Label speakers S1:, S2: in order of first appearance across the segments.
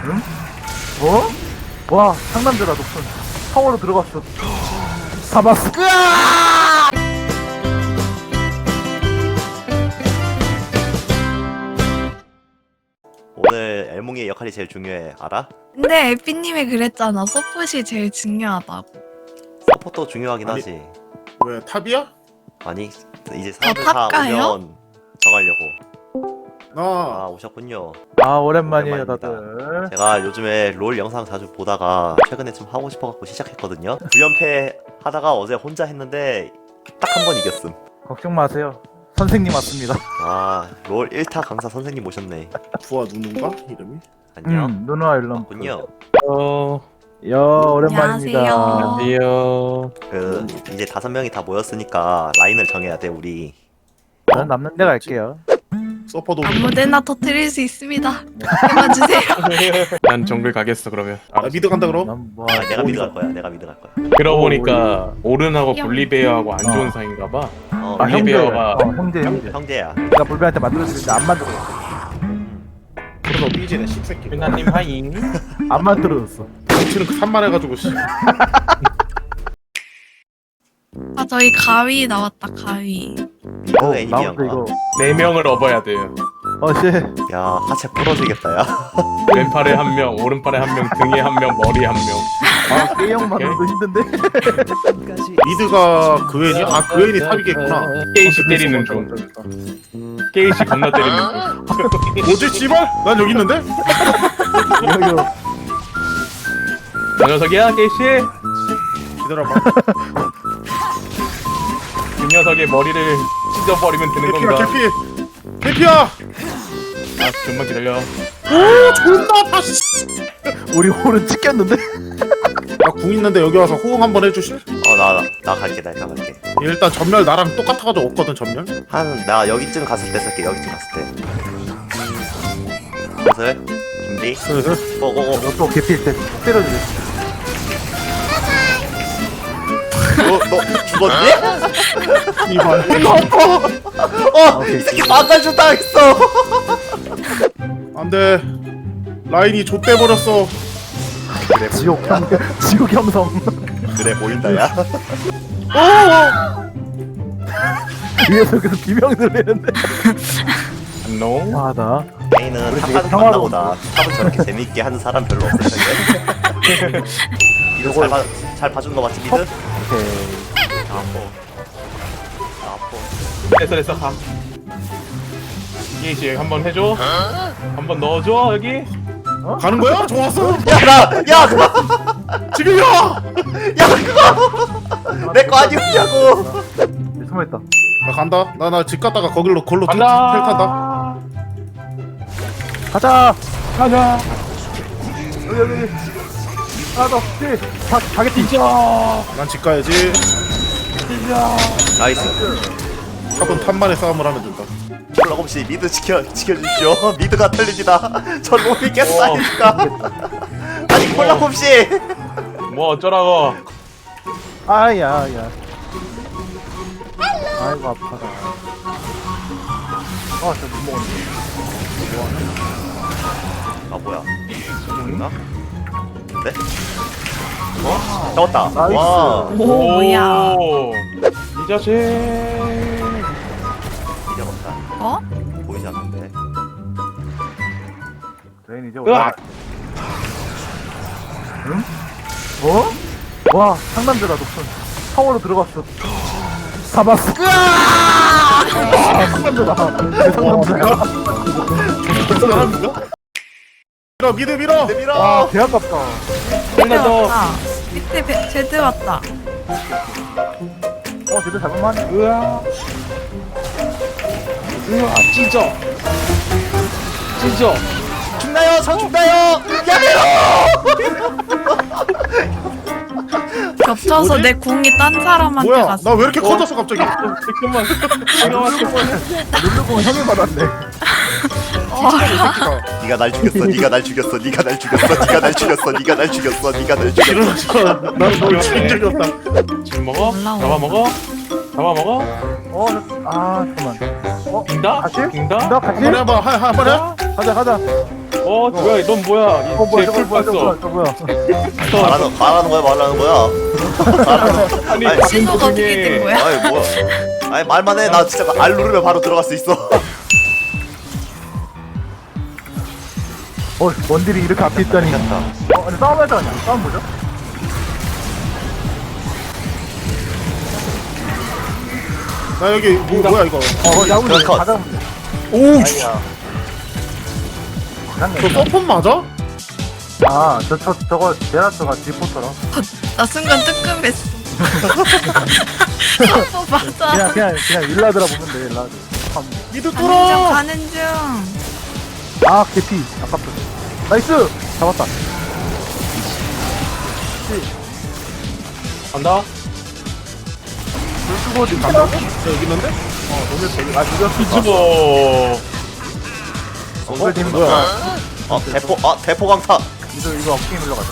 S1: 응? 뭐? 와, 상남자다, 높은. 타워로 들어갔어. 잡았어.
S2: 오늘 엘몽이의 역할이 제일 중요해. 알아?
S3: 근데 에피님이 그랬잖아. 서폿이 제일 중요하다고.
S2: 서포터 중요하긴
S4: 아니,
S2: 하지.
S4: 왜 탑이야?
S2: 아니 이제 사람들 다
S3: 탑가요?
S2: 오면 정하려고.
S4: 나
S2: 아 오셨군요.
S1: 아, 오랜만이에요,
S2: 오랜만입니다.
S1: 다들.
S2: 제가 요즘에 롤 영상 자주 보다가 최근에 좀 하고 싶어갖고 시작했거든요. 9연패 하다가 어제 혼자 했는데 딱 한 번 이겼음.
S1: 걱정 마세요. 선생님 왔습니다.
S2: 롤 1타 강사 선생님 모셨네.
S4: 부하 누군가 이름이?
S2: 안녕.
S1: 누누아 일럼.
S2: 왔군요.
S1: 오랜만입니다.
S3: 안녕하세요.
S2: 그 이제 5명이 다 모였으니까 라인을 정해야 돼 우리.
S1: 저는 남는 데 갈게요.
S4: 서퍼도
S3: 아무데나 터뜨릴 수 있습니다. 그만 주세요.
S5: 난 정글 가겠어 그러면.
S4: 나 미드 간다 그럼?
S1: 난 뭐,
S2: 내가 미드 갈 거야. 내가 미드 갈 거야.
S5: 그러고 보니까 오른하고
S3: 형.
S5: 볼리베어하고 안 좋은 사이인가봐.
S2: 어,
S1: 아, 형제.
S5: 올리베어가-
S1: 형제.
S2: 형제야.
S1: 내가 볼베한테 만들어줬는데 안 만들어줬어.
S4: 그래서 삐지네 씹새끼.
S5: 민나님 하잉.
S1: 안 만들어줬어.
S4: 정치는 그 산만해가지고 씨.
S3: 아 저희 가위 나왔다 가위.
S2: 어, 애니비언가.
S1: 나무도 이거.
S5: 4명을 업어야 돼요.
S1: 씨.
S2: 야 하체 부러지겠다 야.
S5: 왼팔에 한 명, 오른팔에 한 명, 등에 한 명, 머리에 한 명.
S1: 아, K형 만들어도 힘든데?
S4: 미드가 그웬이? 아 그웬이 탑이겠구나.
S5: 게이시 때리는 중. 게이시 겁나 때리는 중.
S4: 뭐지 씨발? 난 여기 있는데?
S1: 이거.
S5: 저 녀석이야 게이시?
S4: 기다려봐.
S5: 그 녀석의 머리를 찢어버리면 되는
S4: 개피야
S5: 건가?
S4: 개피. 개피야.
S5: 아 좀만 기다려.
S4: 오 존나 아파 씨.
S1: 우리 홀은 찍혔는데?
S4: 나궁 있는데 여기 와서 호응 한번 해주실?
S2: 나 갈게 나 갈게.
S4: 일단 전멸 나랑 똑같아가지고 없거든 전멸.
S2: 나 여기쯤 갔을 때 쓸게. 여기쯤 갔을 때. 슬슬 준비.
S4: 슬슬.
S2: 고고고.
S1: 너또 개피일 때 때려주래.
S2: 너 죽었니?
S4: 이발.
S1: 오케이.
S2: 이 새끼 반달주 당했어.
S4: 안돼. 라인이 좆돼 버렸어.
S2: 그래
S1: 지옥 형성.
S2: 그래 보인다 야.
S1: 위에서 계속 비명 들리는데.
S5: 안녕.
S1: 와나.
S2: 메인은
S1: 우리
S2: 탑
S1: 되게
S2: 가는
S1: 평화로워.
S2: 것보다 탑을 저렇게 재밌게 하는 사람 별로 없을 텐데. 이거 잘 봐준 거 맞지 미드?
S1: 오케이.
S2: 나 아파.
S5: 됐어 가. 게이시 한번 해줘. 한번 넣어줘 여기.
S4: 가는 거야? 좋았어.
S2: 야
S4: 지금이야.
S2: 내 거 아니었냐고.
S1: 숨어있다.
S4: 나 간다. 나 집 갔다가 거길로 걸로 텔 탄다.
S5: 간다.
S1: 가자. 여기. 하나 더. 가겠지.
S4: 난 집 가야지.
S2: 나이스.
S4: 탑은 탑만의 싸움을 하면 된다.
S2: 콜라 없이 미드 지켜주십시오. 미드가 틀립니다. 저 롬이 깼다니까. 아니 콜라 없이.
S5: 뭐 어쩌라고.
S1: 아야. 아이고 아파라. 진짜 못 먹었네.
S2: 아 뭐야? 있나? 네? 잡았다.
S1: 나이스.
S2: 와.
S3: 오 뭐야?
S5: 이 자식.
S2: 이겨봤다.
S3: 어?
S2: 보이지 않는데.
S1: 레인 이제
S5: 으악!
S1: 응? 와, 상남자다 높은. 타워로 들어갔어. 잡았어. 상남자다. 내 상남자야.
S4: 사람인가? 밀어 미드 밀어.
S1: 와,
S2: 밀어.
S1: 개 아깝다.
S3: 제드
S5: 더.
S3: 왔다. 밑에 제드 왔다.
S1: 제대로 잡을만.
S5: 으아. 찢어.
S2: 죽나요? 저 죽나요? 야매로.
S3: 겹쳐서
S4: 뭐지?
S3: 내 궁이 딴 사람한테
S4: 뭐야?
S3: 갔어.
S4: 나 왜 이렇게 커졌어 갑자기?
S5: 잠깐만.
S1: 누르고 형이 받았네.
S2: 네가 날 죽였어. 네가 날 죽였어. 네가 날 죽였어. 네가 날 죽였어. 네가 날 죽였어. 네가 날 죽였어.
S4: 일어나서 난너 죽인 적이 없다.
S5: 지금 먹어?
S3: 올라와.
S5: 잡아먹어?
S1: 잠깐만.
S5: 빙다?
S1: 같이?
S5: 빙다?
S1: 나 같이?
S4: 한번 해봐. 한번 해.
S1: 가자.
S5: 뭐야 넌 뭐야 이
S1: 뭐야,
S5: 제
S1: 저거 뭐야,
S5: 풀
S1: 저거 뭐야,
S5: 봤어.
S1: 저거 뭐야.
S2: 말하는 거야 말하는 거야.
S5: 아니
S2: 아니,
S5: 방금
S3: 신호가 어떻게 된
S5: 중에
S3: 거야?
S2: 아니 뭐야? 아니 말만 해. 나 진짜 알 누르면 바로 들어갈 수 있어.
S1: 원딜이 이렇게 앞에 있다니.
S2: 괜찮다.
S1: 근데 싸움 할거 아니야? 싸움 보죠?
S4: 나 여기 뭐야 이거?
S1: 야구
S2: 그럼 컷.
S1: 가자 문제.
S4: 오우
S1: 아이야.
S4: 저 서폰 맞아?
S1: 저거 제라스가 디포터라.
S3: 나 순간 뜨끔했어. 뽀뽀 맞아.
S1: 그냥 일라드라 보면 돼, 일라드.
S4: 미드
S3: 가는 중
S4: 뚫어.
S3: 가는 중.
S1: 개피. 아깝다. 나이스! 잡았다.
S5: 간다.
S1: 불 쓰고 어디 간다고?
S4: 저 여기 있는데?
S1: 이겼어.
S5: 뒤집어.
S1: 엉글 팀 뭐야?
S2: 대포 강타.
S1: 이거 업게임 흘러가자.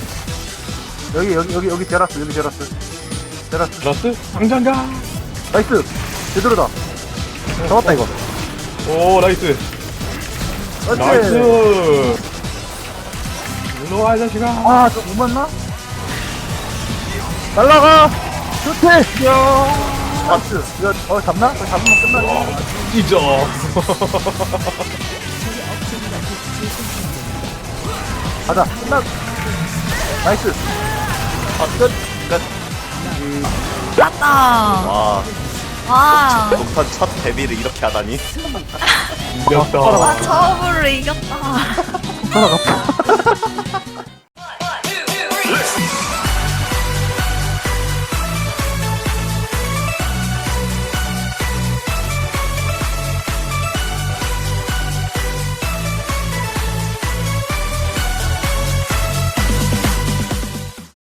S1: 여기 제라스. 제라스.
S5: 플러스 당장가.
S1: 나이스! 제대로다. 잡았다, 이거.
S5: 오 나이스.
S1: 그렇지.
S5: 나이스. 일로 와 이 자식아.
S1: 좀 못 맞나? 날라가! 좋대!
S5: 야.
S1: 나이스. 이거, 잡나? 이거 잡으면 끝나지.
S5: 찢어.
S1: 가자. 끝나. 나이스.
S2: 끝.
S3: 맞다.
S2: 와
S3: 와.
S2: 녹턴 첫 데뷔를 이렇게 하다니.
S5: 이겼다.
S3: 와 처음으로 이겼다.
S1: 살아갔다.